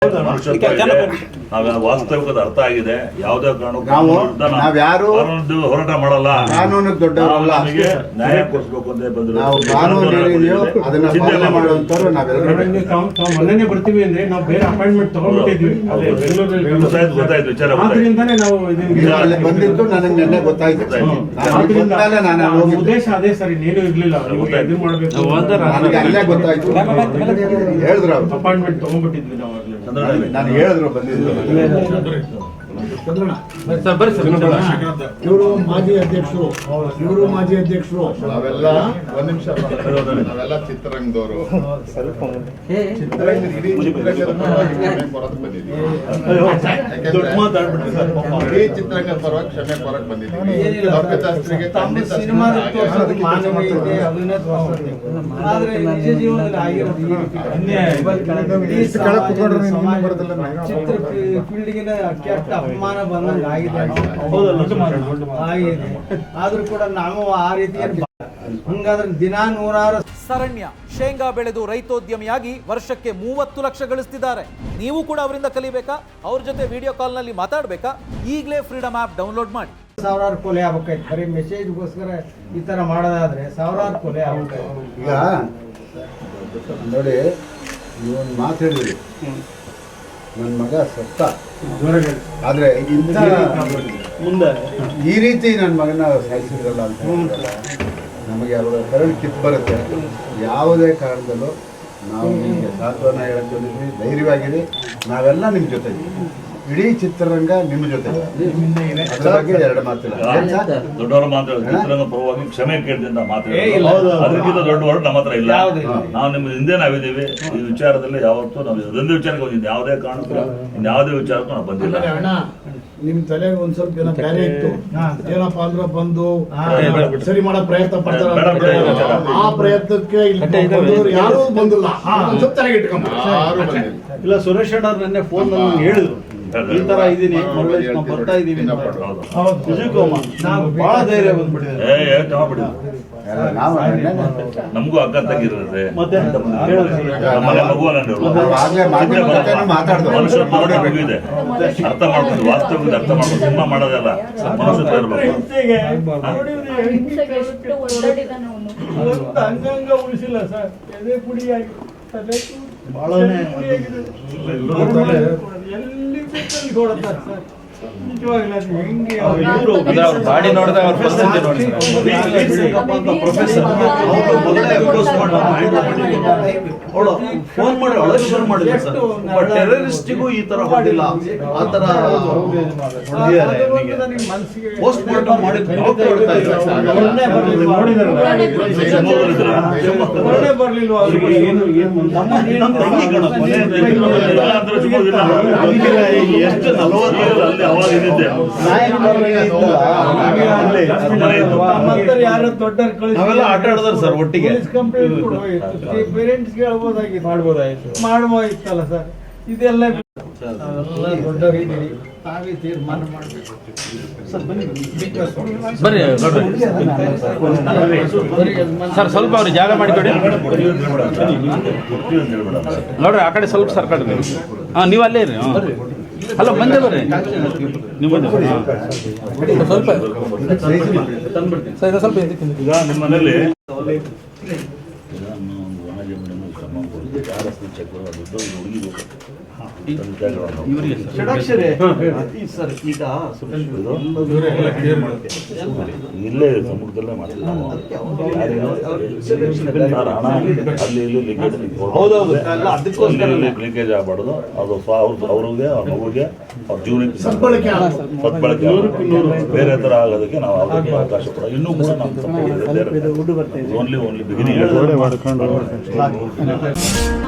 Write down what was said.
ವಾಸ್ತವಿಕದ ಅರ್ಥ ಆಗಿದೆ. ಯಾವುದೇ ಕಾರಣಕ್ಕೂ ಹೋರಾಟ ಮಾಡಲ್ಲ, ಕಾನೂನು ದೊಡ್ಡವರಲ್ಲ, ನ್ಯಾಯ ಕೊಡಿಸ್ಬೇಕು ಅಂತ ಬಂದ್ರು. ಮೊನ್ನೆ ಬರ್ತೀವಿ ಅಂದ್ರೆ ನಾವು ಬೇರೆ ಅಪಾಯಿಂಟ್ಮೆಂಟ್ ತಗೊಂಡ್ಬಿಟ್ಟಿದ್ವಿ. ಗೊತ್ತಾಯ್ತು ವಿಚಾರ ಬಂದಿತ್ತು, ನನಗೆ ನೆನ್ನೆ ಗೊತ್ತಾಯ್ತು. ಉದ್ದೇಶ ಅದೇ ಸರ್, ಇನ್ನೇನು ಇರ್ಲಿಲ್ಲ. ಇದು ಮಾಡ್ಬೇಕು ಅಲ್ಲೇ ಗೊತ್ತಾಯ್ತು, ಹೇಳಿದ್ರು ಅವ್ರು ಅಪಾಯಿಂಟ್ಮೆಂಟ್ ತಗೊಂಡ್ಬಿಟ್ಟಿದ್ವಿ ನಾವು. ನಾನು ಹೇಳಿದ್ರು ಬಂದಿದ್ರು. ಇವರು ಮಾಜಿ ಅಧ್ಯಕ್ಷರು, ನಾವೆಲ್ಲ ಒಂದ್ ನಿಮಿಷ, ನಾವೆಲ್ಲ ಚಿತ್ರರಂಗದವರು. ಇಡೀ ಚಿತ್ರರಂಗದ ಪರವಾಗಿ ಕ್ಷಮೆ ಕೊರಕ್ ಬಂದಿದ್ದೀವಿ. ಅಪಮಾನ ಬಂದಂಗೆ ಆಗಿದೆ. ಆದ್ರೂ ಕೂಡ ನಾವು ಆ ರೀತಿ ಹಂಗಾದ್ರೆ ದಿನ 106. ಶರಣ್ಯ ಶೇಂಗಾ ಬೆಳೆದು ರೈತೋದ್ಯಮಿಯಾಗಿ ವರ್ಷಕ್ಕೆ 30 ಲಕ್ಷ ಗಳಿಸ್ತಿದ್ದಾರೆ. ನೀವು ಕೂಡ ಅವರಿಂದ ಕಲಿಬೇಕಾ? ಅವ್ರ ಜೊತೆ ವಿಡಿಯೋ ಕಾಲ್ ನಲ್ಲಿ ಮಾತಾಡ್ಬೇಕಾ? ಈಗಲೇ ಫ್ರೀಡಮ್ ಆಪ್ ಡೌನ್ಲೋಡ್ ಮಾಡಿ. ಸಾವಿರಾರು ಕೊಲೆ ಆಗ್ಬೇಕಾಯ್ತು ಬರೀ ಮೆಸೇಜ್ಗೋಸ್ಕರ ಈ ತರ ಮಾಡೋದಾದ್ರೆ ಸಾವಿರಾರು ಕೊಲೆ ಆಗ್ಬೇಕಾಯ್ತು. ಈಗ ನೋಡಿ, ನೀವೊಂದು ಮಾತು ಹೇಳಿದ್ರಿ, ನನ್ನ ಮಗ ಸತ್ತ, ಆದ್ರೆ ಮುಂದೆ ಈ ರೀತಿ ನನ್ನ ಮಗನ ಸಾಯಿಸಿದ್ರಲ್ಲ ಅಂತ ನಮಗೆ ಅವರ ಕರಳು ಕಿತ್ತು ಬರುತ್ತೆ. ಯಾವುದೇ ಕಾರಣದಲ್ಲೂ ನಾವು ನಿಮಗೆ ಸಾಂತ್ವನ ಹೇಳಕ್ ಬಂದಿದ್ವಿ, ಧೈರ್ಯವಾಗಿರಿ, ನಾವೆಲ್ಲ ನಿಮ್ಮ ಜೊತೆ ಇದ್ದೀವಿ. ಇಡೀ ಚಿತ್ರರಂಗ ನಿಮ್ಮ ಜೊತೆ. ಅದ್ರ ಬಗ್ಗೆ ಎರಡು ಮಾತಿಲ್ಲ. ದೊಡ್ಡವರ ಮಾತು ಚಿತ್ರರಂಗ ಪರವಾಗಿ ಕ್ಷಮೆ ಕೇಳಿದಿಂದ ಅದಕ್ಕಿಂತ ದೊಡ್ಡ ವರ್ಡ್ ನಮ್ಮ ಹತ್ರ ಇಲ್ಲ. ನಾವು ನಿಮ್ಮ ಹಿಂದೆ ನಾವಿದ್ದೀವಿ. ಈ ವಿಚಾರದಲ್ಲಿ ಯಾವತ್ತೂ ನಾವು ಇದೊಂದು ವಿಚಾರಕ್ಕೆ ಬಂದಿದ್ದು, ಯಾವುದೇ ಕಾರಣಕ್ಕೂ ಇನ್ಯಾವುದೇ ವಿಚಾರಕ್ಕೂ ನಾವು ಬಂದಿಲ್ಲ. ನಿಮ್ ತಲೆಗೆ ಒಂದ್ ಸ್ವಲ್ಪ ಜನ ಬೇರೆ ಇತ್ತು, ಏನಪ್ಪ ಅಂದ್ರೆ ಬಂದು ಸರಿ ಮಾಡೋ ಪ್ರಯತ್ನ ಪಡ್ತಾರೆ. ಆ ಪ್ರಯತ್ನಕ್ಕೆ ಯಾರು ಬಂದಿಲ್ಲ. ತಲೆಗೆ ಇಟ್ಕೊಂಡ್ ಇಲ್ಲ, ಸುರೇಶ್ ಅಣ್ಣ ನೆನ್ನೆ ಫೋನ್ ನಲ್ಲಿ ಹೇಳಿದ್ರು, ಈ ತರ ಇದೀನಿ, ಬರ್ತಾ ಇದೀವಿ. ಬಹಳ ಧೈರ್ಯ ಬಂದ್ಬಿಟ್ಟಿದೆ. ನಮಗೂ ಅಕ್ಕ ತಂಗಿರುತ್ತೆ, ಇದೆ. ಅರ್ಥ ಮಾಡ್ಕೊಂಡು ವಾಸ್ತವದಿಂದ ಅರ್ಥ ಮಾಡ್ಕೊಂಡು ಸಿನಿಮಾ ಮಾಡೋದಲ್ಲ, ಮನುಷ್ಯ ಇರ್ಬೇಕು. ಅಂಗಾಂಗ ಉಳಿಸಿಲ್ಲ ಸರ್, ಎದೆ ಪುಡಿಯಾಗಿ ಎಲ್ಲಿ ಬೇಕಲ್ಲಿ ಕೊಡುತ್ತಾರೆ ಸರ್. ಬಾಡಿ ನೋಡಿದಾಗ ಅವ್ರ ಪರಿಸ್ಥಿತಿ ನೋಡಿ. ಫೋನ್ ಮಾಡಿ ಒಳಗೆ ಶುರು ಮಾಡಿಲ್ಲ ಸರ್. ಟೆರರಿಸ್ಟಿಗೂ ಈ ತರ ಹೊಡಿಲ್ಲ, ಆ ತರ ಪೋಸ್ಟ್ ಮಾರ್ಟಮ್ ಮಾಡಿ ಎಷ್ಟು 40 ನಾವೆಲ್ಲ ಆಟ ಆಡಿದ್ರು ಸರ್ ಒಟ್ಟಿಗೆ. ಪೇರೆಂಟ್ಸ್ ಮಾಡ್ಬೋದಾಗಿತ್ತು, ಮಾಡ್ಬೋದಾಗಿತ್ತಲ್ಲ ಸರ್. ಇದೆಲ್ಲ ದೊಡ್ಡ ರೀತಿಯಲ್ಲಿ ತಾವೇ ತೀರ್ಮಾನ ಮಾಡಬೇಕು. ಬರ್ರಿ ಸರ್, ಸ್ವಲ್ಪ ಅವ್ರಿಗೆ ಜಾಗ ಮಾಡಿಕೊಡಿ ನೋಡ್ರಿ. ಆ ಕಡೆ ಸ್ವಲ್ಪ ಸರ್ಕಾರಿ ನೀವು ಅಲ್ಲೇ ಇರಿ. ಹಲೋ, ಬಂದೆ ಬರ್ರಿ ನೀವು. ಸ್ವಲ್ಪ ಈಗ ನಿಮ್ಮ ಮನೇಲಿ ಇಲ್ಲೇ ಸಮುದ್ರದಲ್ಲೇ ಮಾಡಿಲ್ಲ, ಅಲ್ಲಿ ಇಲ್ಲಿ ಲೀಕೇಜ್ ಆಗಬಾರ್ದು. ಅದು ಅವ್ರಿಗೆ, ಅವ್ರ ಮಗುಗೆ, ಅವ್ರ ಜೀವನಕ್ಕೆ ಸದ್ಬಳಕೆ ಬೇರೆ ತರ ಆಗೋದಕ್ಕೆ ನಾವು ಅದಕ್ಕೆ ಅವಕಾಶ ಕೊಡ. ಇನ್ನೂ ಕೂಡ ನಮ್ಮ ಓನ್ಲಿ ಬಿಗಿನಿಂಗ್.